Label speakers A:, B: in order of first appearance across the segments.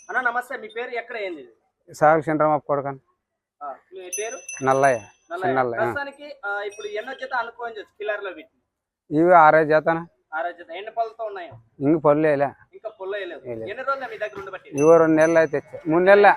A: అన్న నమస్తే, మీ పేరు ఎక్కడ ఏంది?
B: సాగు చంద్రబాబు కొడుకని.
A: మీ పేరు?
B: నల్లయ్య.
A: ప్రస్తుతానికి ఇప్పుడు ఎన్నో జత అనుకోవచ్చు కిల్లర్ లో వీటిని?
B: ఇవి 6 జతన.
A: 6 జత. ఎన్ని పళ్ళతో ఉన్నాయో?
B: ఇంక పళ్ళు వేయలే.
A: ఇంకా పళ్ళు వేయలేదు. ఎన్ని రోజులు మీ దగ్గర ఉండబట్టి?
B: ఇవో 2 నెలలు అయితే 3 నెలల.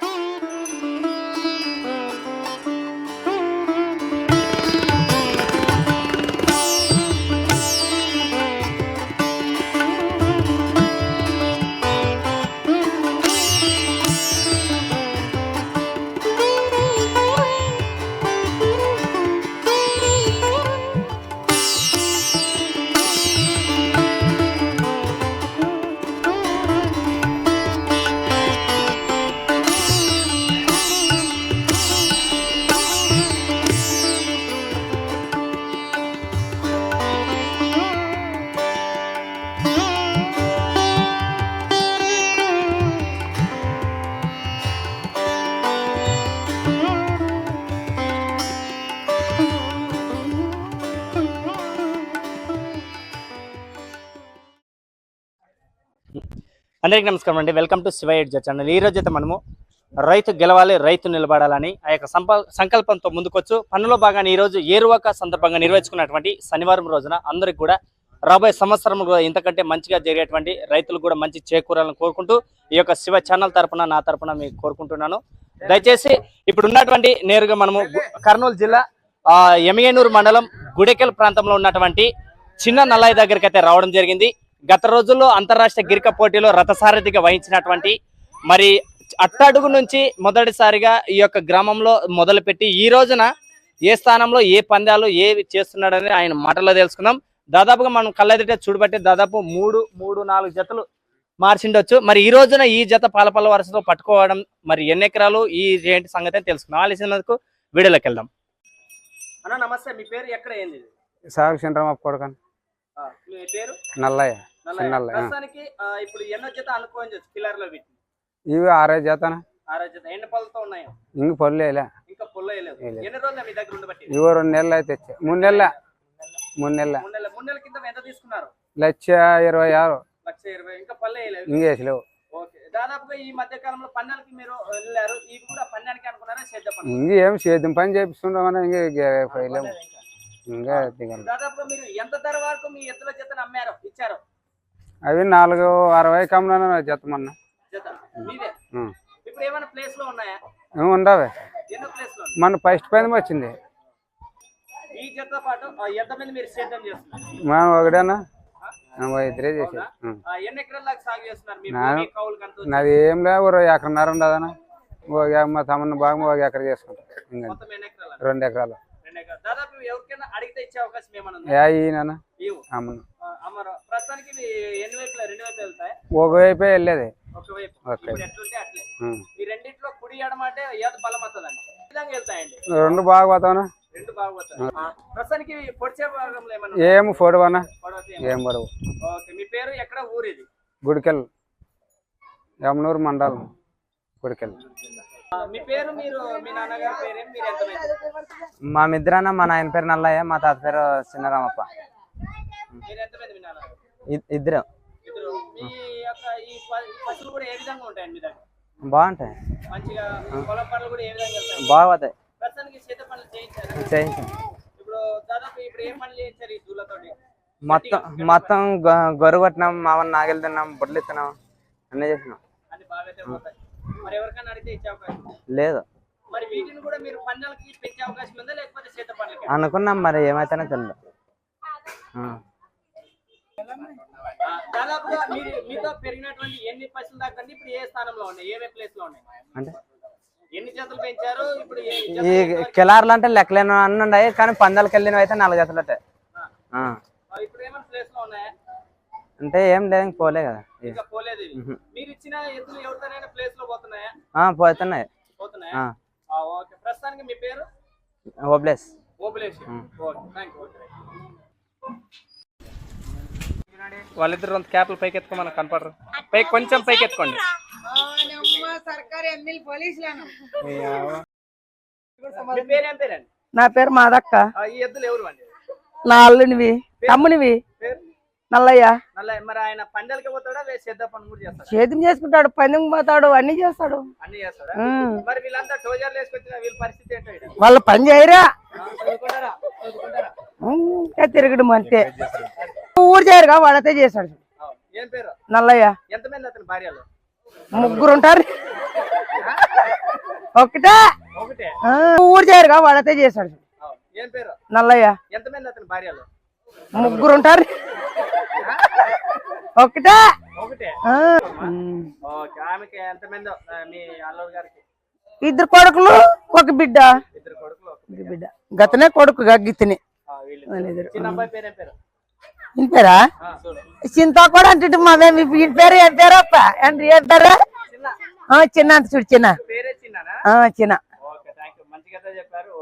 A: అందరికీ నమస్కారం అండి. Welcome to Shiva edge channel. ఈ రోజు అయితే మనము రైతు గెలవాలి, రైతు నిలబడాలని ఆ యొక్క సంకల్పంతో ముందుకొచ్చు పనులో భాగాన్ని ఈరోజు ఏరువాక సందర్భంగా నిర్వహించుకున్నటువంటి శనివారం రోజున అందరికి కూడా రాబోయే సంవత్సరం ఇంతకంటే మంచిగా జరిగేటువంటి రైతులు కూడా మంచి చేకూరాలని కోరుకుంటూ ఈ యొక్క శివ ఛానల్ తరపున నా తరపున మీకు కోరుకుంటున్నాను. దయచేసి ఇప్పుడు ఉన్నటువంటి నేరుగా మనము కర్నూలు జిల్లా ఎమిగనూరు మండలం గుడెకెల్ ప్రాంతంలో ఉన్నటువంటి చిన్న నల్లయ్య దగ్గరికి అయితే రావడం జరిగింది. గత రోజుల్లో అంతర్రాష్ట్రీయ గిరిక పోటీలో రథసారథిగా వహించినటువంటి మరి అట్టడుగు నుంచి మొదటిసారిగా ఈ యొక్క గ్రామంలో మొదలుపెట్టి ఈ రోజున ఏ స్థానంలో ఏ పందాలు ఏవి చేస్తున్నాడని ఆయన మాటల్లో తెలుసుకుందాం. దాదాపుగా మనం కళ్ళెదిటే చూడబట్టి దాదాపు 3-4 జతలు మార్చిండొచ్చు. మరి ఈ రోజున ఈ జత పాలపల్ల వరుసతో పట్టుకోవడం మరి ఎన్ని ఎకరాలు ఈ ఏంటి సంగతి తెలుసుకుందాం. ఆలస్యందుకు వీడియోలోకి వెళ్దాం. అన్న నమస్తే, మీ పేరు ఎక్కడ ఏంది?
B: సాగు చంద్రబాబు కొడుకని.
A: మీ పేరు?
B: నల్లయ్య.
A: ప్రస్తుతానికి ఇప్పుడు ఎన్నో జత అనుకోవచ్చు కిల్లర్ లో వీటిని?
B: ఇవి 6 జతన.
A: 6 జత. ఎన్ని పళ్ళతో ఉన్నాయో?
B: ఇంక పళ్ళు వేయలే.
A: ఇంకా పళ్ళు వేయలేదు. ఎన్ని రోజులు మీ దగ్గర ఉండబట్టి?
B: ఇవో 2 నెలలు అయితే 3 నెలల. 3 నెలల.
A: 3 నెలల కింద ఎంత తీసుకున్నారు?
B: 1,26,000.
A: 1,20,000. ఇంకా పళ్ళు వేయలేదు.
B: ఇంకేసలేవు.
A: ఓకే. దాదాపుగా ఈ మధ్య కాలంలో పన్నెలకి మీరు వెళ్ళారు. ఇవి కూడా పన్నెలకి అనుకున్నారా?
B: ఇంకేం సేద్యం పని చేపిస్తుండమని ఇంకేలేము. ఇంకా
A: దాదాపుగా మీరు ఎంత ధర వరకు మీ ఎద్దుల జతను అమ్మారు ఇచ్చారు?
B: అవి 460 కమ్మున జత మొన్న.
A: ఇప్పుడు ఏమైనా ప్లేస్ లో ఉన్నాయా?
B: ఉండవే.
A: ఎన్నో ప్లేస్ లో
B: మన ఫస్ట్ పని వచ్చింది.
A: ఈ జత పాటు ఎంతమంది మీరు సేద్యం చేస్తున్నారు?
B: మనం ఒకటేనా 2 చేసి.
A: ఎన్ని ఎకరాల దాకా సాగు చేస్తున్నారు?
B: నాది ఏం లేవు, 1 ఎకరన్నర ఉండదనా. మా తమ్ముని బాగా 1 ఎకర చేసుకుంటాం. 2 ఎకరాలు.
A: దాదాపు ఎవరికైనా అడిగితే ఇచ్చే అవకాశం ఏమన్నా? ప్రస్తుతానికి ఎన్ని వైపులా? 2 వైపు వెళ్తాయి.
B: ఒకవైపే వెళ్ళేది.
A: ఈ రెండిట్లో కుడి ఎడమ అంటే ఏది బలం వస్తుందండి? విధంగా వెళ్తాయండి.
B: 2 బాగా పోతావునా?
A: 2 బాగా పోతాయి. ప్రస్తుతానికి పొడిచే భాగంలో
B: ఏం పొడవనా? ఏం పొడవు.
A: ఓకే. మీ పేరు ఎక్కడ? ఊరు ఇది?
B: గుడికెల్, ఎమ్నూరు మండలం గుడికెల్.
A: మీ పేరు? మీరు మీ నాన్నగారి పేరు? మీరు ఎంతమంది?
B: మా మిద్రాన్న, మా నాయన పేరు నల్లయ్య, మా తాత పేరు చిన్నరామప్ప.
A: మీరు ఎంతమంది మీ నాన్నగారు?
B: 2.
A: మీ యొక్క ఈ పశువులు కూడా ఏ విధంగా ఉంటాయండి మీ దగ్గర?
B: బాగుంటాయి.
A: మంచిగా పొలం పనులు కూడా ఏ విధంగా వెళ్తాయి?
B: బాగుతాయి.
A: ప్రస్తుతానికి చేత పనులు చేయించారు. ఇప్పుడు దాదాపు ఇప్పుడు ఏ పనులు చేయించారు ఈ దూలతోటి?
B: మొత్తం గొర్రె కొట్టినాం, మామూలు నాగలి తిన్నాం, బొడ్లు ఇస్తున్నాం, అన్నీ చేసినాం.
A: అన్ని బాగా పోతాయి. మరి ఎవరికైనా అడిగితే ఇచ్చే అవకాశం
B: లేదు.
A: మరి వీటిని కూడా మీరు పందాలకి పెంచే అవకాశం ఉందా లేకపోతే చేత పనులకి
B: అనుకున్నాం, మరి ఏమైతేనే తెలియదు.
A: దాదాపుగా మీరు మీతో పెరిగినటువంటి ఎన్ని పశువులు దాకా ఇప్పుడు ఏ స్థానంలో ఉన్నాయి? ఏ ప్లేస్ లో ఉన్నాయి?
B: అంటే
A: ఎన్ని జతలు పెంచారు? ఇప్పుడు
B: ఈ కిలార్లు అంటే లెక్కలేని అన్ని ఉన్నాయి, కానీ పందాలకు వెళ్ళినవి అయితే 4 జతలు ఉంటాయి.
A: ఇప్పుడు ఏమైనా ప్లేస్ లో ఉన్నాయా?
B: అంటే ఏం లేదు, పోలే కదా.
A: ఇంకా పోలేదు. మీరు ఇచ్చిన ఎద్దులు ఎవరితోనైనా ప్లేస్ లో పోతున్నాయా?
B: పోతున్నాయి.
A: పోతున్నాయా? ఓకే. ప్రస్తుతానికి మీ పేరు?
B: ఓబ్లేష్.
A: ఓబ్లేష్. Okay, thank you. వాళ్ళిద్దరు రెండు క్యాప్లు పైకి ఎత్తుకోమని కనపడరు. పైకి కొంచెం పైకి ఎత్తుకోండి.
C: నా పేరు మాదక్క.
A: ఈ ఎద్దులు ఎవరు?
C: నా అల్లునివి, తమ్మునివి. నల్లయ్య
A: మరి ఆయన పందాలకి పోతాడా సేద్ద పని కూడా చేస్తాడు?
C: సేద్యం చేసుకుంటాడు, పందెం పోతాడు, అన్ని చేస్తాడు.
A: అన్ని చేస్తాడా? మరి వీళ్ళంతా టోజర్లు వేసుకొచ్చిన వీళ్ళ పరిస్థితి ఏంటో ఈడ?
C: వాళ్ళ పని చేయరా,
A: చదువుకుంటారా? చదువుకుంటారా?
C: ఇంకా తిరగడం అంతే. ఊరు చేయరుగా వాళ్ళతే చేస్తాడు.
A: ఏం పేరు?
C: నల్లయ్య.
A: ఎంతమంది అతని భార్యలు?
C: 3 ఉంటారు. ఒకటే
A: ఒకటే.
C: ఊరు చేయరుగా వాళ్ళతే చేస్తాడు.
A: ఏం పేరు?
C: నల్లయ్య.
A: ఎంతమంది అతని భార్యలు?
C: 3 ఉంటారు. ఒకటే
A: ఒకటే. ఓకే. ఆమెకి ఎంతమంది? మీ అల్లుడు గారికి
C: 2 కొడుకులు 1 బిడ్డ.
A: 2 కొడుకులు
C: 1 బిడ్డ. గతనే కొడుకు గగితనే.
A: చిన్న అబ్బాయి పేరు ఏం పేరు?
C: ఇంటి పేరా? చింతా కూడా అంటే మాదేమి ఇంటి పేరు ఏం పేరు అప్ప అంటే ఏం పేరు? చిన్న అంత చూడు చిన్న.
A: పేరే చిన్ననా?
C: చిన్న.
A: Okay, thank you. మంచిగా చెప్పారు.